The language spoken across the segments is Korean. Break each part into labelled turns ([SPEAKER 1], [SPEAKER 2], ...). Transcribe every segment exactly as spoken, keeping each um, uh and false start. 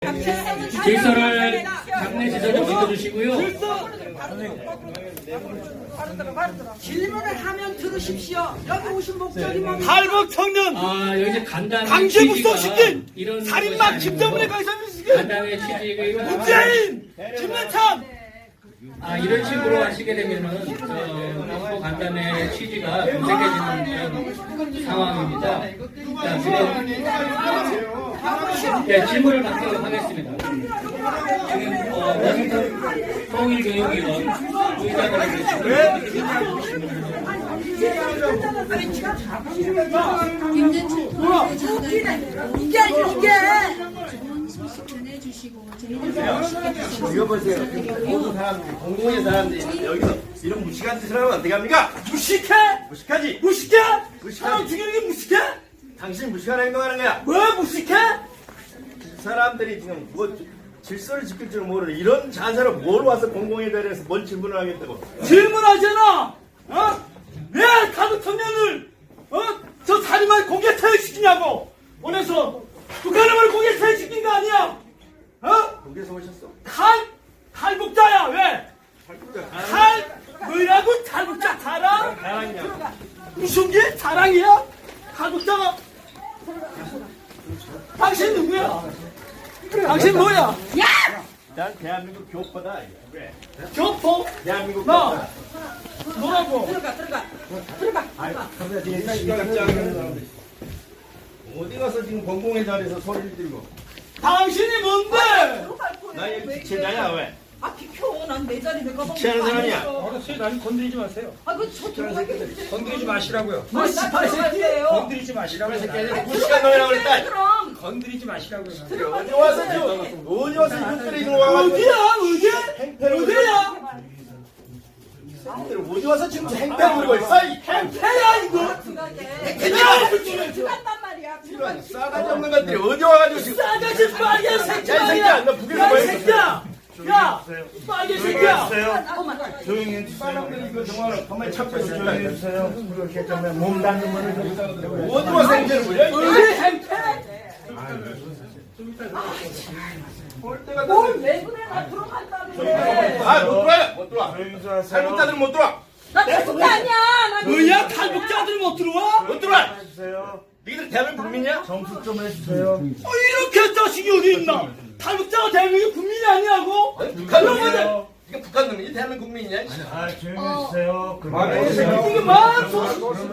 [SPEAKER 1] 질서를 장례 지도로 믿어주시고요.
[SPEAKER 2] 질문을 하면 들으십시오. 여기 오신 목적이 뭡니까?
[SPEAKER 3] 탈북 청년
[SPEAKER 1] 아, 여기 간단한
[SPEAKER 3] 강제북송시킨
[SPEAKER 1] 이런
[SPEAKER 3] 살인마 김정은의 강사님시킨
[SPEAKER 1] 간단의 취지가
[SPEAKER 3] 문재인 김대창
[SPEAKER 1] 아, 이런 식으로 하시게 되면은 어, 너무 간단의 취지가 분색해지는 그런 상황입니다. 자, 지금 네, 질문을 받도록 하겠습니다. 지금 어, 워싱턴 통일교육위원 의장님께 질문을
[SPEAKER 4] 김대중 통일부장관님으로
[SPEAKER 2] 이게 이게
[SPEAKER 4] 좋은 소식 전해주시고 저희들 시켜주셔서
[SPEAKER 5] 이거 보세요. 모든 사람들이, 공공의 사람들이 여기서 이런 무식한 짓을 하면 어떻게 합니까?
[SPEAKER 3] 무식해?
[SPEAKER 5] 무식하지?
[SPEAKER 3] 무식해?
[SPEAKER 5] 무식하지?
[SPEAKER 3] 사람 죽이는 게 무식해?
[SPEAKER 5] 당신 무식한 행동하는 거야.
[SPEAKER 3] 왜 무식해?
[SPEAKER 5] 사람들이 지금 뭐 질서를 지킬 줄 모르는 이런 자세로 뭘 와서 공공의 자리에서 뭔 질문을 하겠다고.
[SPEAKER 3] 질문하잖아. 어? 왜 탈북 청년을 어? 저 살인마를 공개 퇴역시키냐고. 원해서 북한을 공개 퇴역시킨 거 아니야? 어?
[SPEAKER 5] 거기서 오셨어?
[SPEAKER 3] 탈 탈북자야 왜? 탈 뭐라고 탈북자 자랑?
[SPEAKER 5] 자랑이야.
[SPEAKER 3] 무슨 게 자랑이야? 탈북자가 당신 누구야? 당신 뭐야?
[SPEAKER 5] 난 대한민국 교포다. 왜?
[SPEAKER 3] 교포?
[SPEAKER 5] 대한민국
[SPEAKER 3] 나
[SPEAKER 5] 교포다.
[SPEAKER 3] 뭐라고?
[SPEAKER 2] 들어가 들어가 들어가.
[SPEAKER 5] 어디 가서 지금 공공의 자리에서 소리를 들고.
[SPEAKER 3] 당신이 뭔데?
[SPEAKER 5] 나 여기 지체자야 왜?
[SPEAKER 2] 아 비켜. 난 내 자리 내가 먹는
[SPEAKER 5] 지체하는
[SPEAKER 2] 거
[SPEAKER 5] 사람이야.
[SPEAKER 2] 아니었어.
[SPEAKER 6] 어르신 날 건드리지 마세요.
[SPEAKER 2] 아 그저 들어가게 해주세요.
[SPEAKER 6] 건드리지 마시라고요.
[SPEAKER 3] 뭐 씨발 새끼.
[SPEAKER 6] 건드리지 마시라고요.
[SPEAKER 5] 새끼야, 무식한 놈이라고 그랬다.
[SPEAKER 2] 그럼
[SPEAKER 6] 건드리지 마시라고요.
[SPEAKER 5] 어디 와서 지금 어디 와서 이것들이 지금 와가지고
[SPEAKER 3] 어디야 어디? 어디야?
[SPEAKER 5] 어디 와서 지금 행패를 부리고 있어? 이
[SPEAKER 3] 해야 이거.
[SPEAKER 2] 들어간단 말이야.
[SPEAKER 5] 이런 싸가지 없는 것들이 어디 와가지고 지금
[SPEAKER 3] 싸가지 빨개 새끼
[SPEAKER 5] 야, 이 새끼야, 너 북에서 뭐
[SPEAKER 3] 야, 이
[SPEAKER 5] 했어?
[SPEAKER 3] 새끼야. 야, 빨개 새끼야.
[SPEAKER 5] 조용히 해주세요. 사람들이 이거 정말 가만히 찾고 있어. 조용히 해주세요.
[SPEAKER 6] 그렇게 때문에 몸 닿는 거는
[SPEAKER 5] 어디 와서 행패를 부려? 이
[SPEAKER 3] 우리 행패.
[SPEAKER 5] 볼 때가
[SPEAKER 2] 뭘왜 그래? 나 들어간다는데.
[SPEAKER 5] 아, 못 들어와요. 못 들어와. 탈북자들은 못 들어와.
[SPEAKER 2] 나 탈북자 아니야. 나
[SPEAKER 3] 뭐야 탈북자들 못 들어와?
[SPEAKER 5] 못 들어와. 니들 대한민국 국민이야?
[SPEAKER 6] 정수 좀 해주세요.
[SPEAKER 3] 어, 이렇게 자식이 어디 있나? 탈북자가 대한민국 국민이 아니라고?
[SPEAKER 5] 북한 놈이야. 이거 북한 놈이지 대한민국 국민이냐?
[SPEAKER 6] 아 조용히 해주세요.
[SPEAKER 3] 이게 만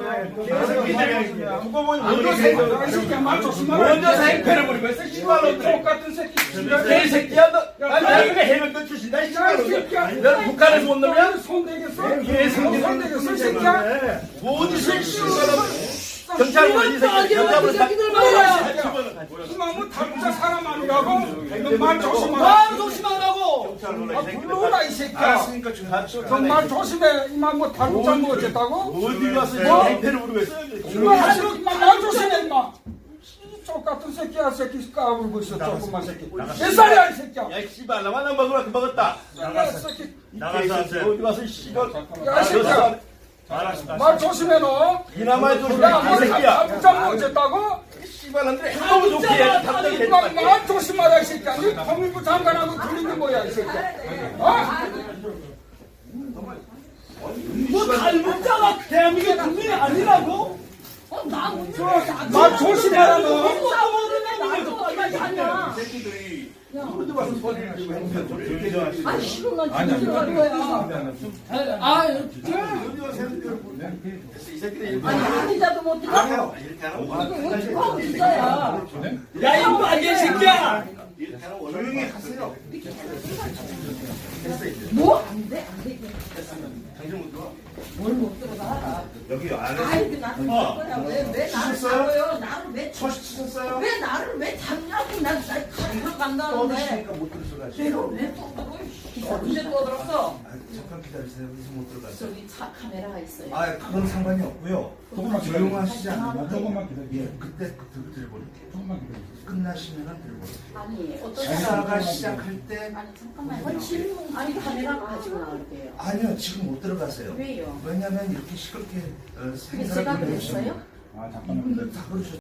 [SPEAKER 5] 누가 보니 먼저 먼저 행패를 부리고 있어. 씨발 놈들.
[SPEAKER 6] 똑같은 새끼.
[SPEAKER 5] 개새끼야 너. 아니 내가 해병대 출신이다. 이 씨발 놈들. 너는 북한에서 온 놈이야?
[SPEAKER 6] 손 대겠어?
[SPEAKER 5] 개새끼.
[SPEAKER 6] 손 대겠어 이 새끼야?
[SPEAKER 5] 어디서 씨발 놈. 경찰 보이 새끼. 경찰 보이
[SPEAKER 3] 새끼들 말이야.
[SPEAKER 6] 이만 뭐 탈북자 사람 아니라고? 이거 말 조심하라.
[SPEAKER 3] 말 조심하라고.
[SPEAKER 6] 아 불러오라 이 새끼야.
[SPEAKER 5] 알았으니까 좀 하죠.
[SPEAKER 6] 정말 조심해. 이만 뭐 탈북자 뭐 어쨌다고?
[SPEAKER 5] 어디 가서
[SPEAKER 6] 뭐?
[SPEAKER 5] 행패를 부리고 있어.
[SPEAKER 6] 이만 하시고 이만 말 조심해 이만. 똑같은 새끼야 새끼 까불고 있어 조금만 새끼. 몇 살이야 이 새끼야?
[SPEAKER 5] 야 씨발 나만 안 먹으라 그 먹었다.
[SPEAKER 6] 야 새끼.
[SPEAKER 5] 나가서 어디 가서 씨발.
[SPEAKER 6] 야, 이 새끼야. 말 조심해 너.
[SPEAKER 5] 이나마의 좀
[SPEAKER 6] 야, 뭐
[SPEAKER 5] 새끼야.
[SPEAKER 6] 탈북자 뭐 어쨌다고?
[SPEAKER 5] 씨발 놈들이 너무 좋게 해. 답답해.
[SPEAKER 6] 이만 말 조심하라 이 새끼야. 이 통일부 장관하고 들리는 거야 이 새끼야. 어?
[SPEAKER 3] 뭐 탈북자가 대한민국 국민이 아니라고?
[SPEAKER 2] 어, 나 오늘
[SPEAKER 6] 말 조심하라 너.
[SPEAKER 2] 아 싫어 난 지금 들어갈 거야. 아
[SPEAKER 5] 이 새끼들이
[SPEAKER 2] 아니 한의자도 못 들어.
[SPEAKER 5] 이렇게 하는
[SPEAKER 2] 이거 어떻게 하고 있어야.
[SPEAKER 3] 야, 이 빨개 새끼야.
[SPEAKER 5] 조용히 하세요.
[SPEAKER 2] 뭐? 안 돼, 안 돼.
[SPEAKER 5] 당신 못 들어와.
[SPEAKER 2] 뭘 못 들어가.
[SPEAKER 5] 여기 안에
[SPEAKER 2] 아이고, 나도 못 거야. 왜, 왜 나를
[SPEAKER 5] 치셨어요?
[SPEAKER 2] 잡아요? 나를 왜, 쳐-
[SPEAKER 5] 초시 치셨어요?
[SPEAKER 2] 왜 나를 왜 잡냐고. 난, 날 가리러 간다는데.
[SPEAKER 5] 떠드시니까 못 들어가시죠.
[SPEAKER 2] 내가 왜 떠들어? 언제 떠들었어?
[SPEAKER 5] 아, 잠깐 기다리세요. 그래서 못 들어가세요.
[SPEAKER 2] 저기 차 카메라가 있어요.
[SPEAKER 5] 아, 그건 상관이 없고요.
[SPEAKER 6] 조금만
[SPEAKER 5] 조용하시지
[SPEAKER 2] 기다려.
[SPEAKER 5] 않으면
[SPEAKER 6] 조금만 기다려.
[SPEAKER 5] 예, 그때 그 들어볼게요.
[SPEAKER 6] 조금만 기다려.
[SPEAKER 5] 끝나시면 들어볼게요.
[SPEAKER 2] 아니, 어떤
[SPEAKER 5] 기사가
[SPEAKER 2] 사람이
[SPEAKER 5] 시작할 때
[SPEAKER 2] 아니, 잠깐만요. 질문, 아니, 카메라 가지고 나올게요.
[SPEAKER 5] 아니요, 지금 못 들어가세요.
[SPEAKER 2] 왜요?
[SPEAKER 5] 왜냐면 이렇게 시끄럽게 어,
[SPEAKER 2] 그게 제가
[SPEAKER 5] 생각을
[SPEAKER 2] 그랬어요?
[SPEAKER 6] 아 잠깐만.
[SPEAKER 5] 다 그러셨